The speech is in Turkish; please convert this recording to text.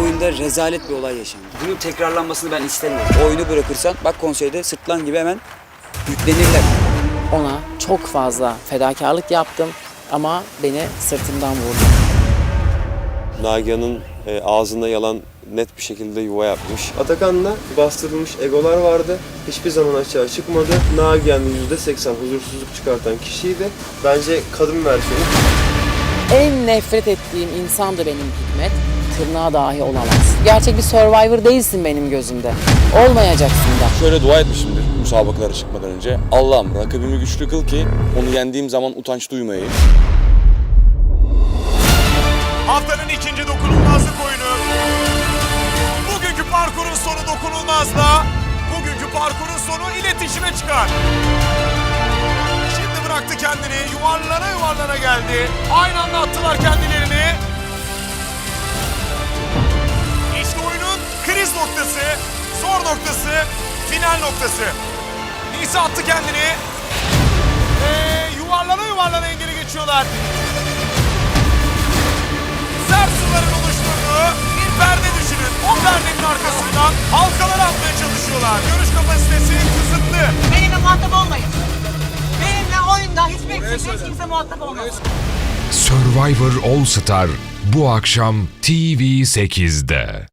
oyunda rezalet bir olay yaşandı. Bunun tekrarlanmasını ben istemiyorum. O oyunu bırakırsan bak konseyde sırtlan gibi hemen yüklenirler. Ona çok fazla fedakarlık yaptım ama beni sırtımdan vurdu. Nagihan'ın ağzında yalan net bir şekilde yuva yapmış. Atakan'la bastırılmış egolar vardı. Hiçbir zaman açığa çıkmadı. Nagihan %80 huzursuzluk çıkartan kişiydi. Bence kadın versiyonu. En nefret ettiğim insan da benim Hikmet. Tırnağa dahi olamaz. Gerçek bir Survivor değilsin benim gözümde. Olmayacaksın da. Şöyle dua etmişimdir müsabakalara çıkmadan önce. Allah'ım rakibimi güçlü kıl ki onu yendiğim zaman utanç duymayayım. Haftanın ikinci dokunulmazlık oyunu. Bugünkü parkurun sonu dokunulmazla. Bugünkü parkurun sonu iletişime çıkar. Şimdi bıraktı kendini. Yuvarlana yuvarlana geldi. Aynı anda attılar kendilerini. İşte oyunun kriz noktası, zor noktası, final noktası. Nisa attı kendini. Yuvarlana yuvarlana engeli geçiyorlar. Sert suların oluşturduğu bir perde düşünün. O perdenin arkasından halkalar atmaya çalışıyorlar. Görüş kapasitesi kısıtlı. Benimle muhatap olmayın. Benimle oyunda hiç kimse muhatap olmasın. Survivor All Star bu akşam TV8'de.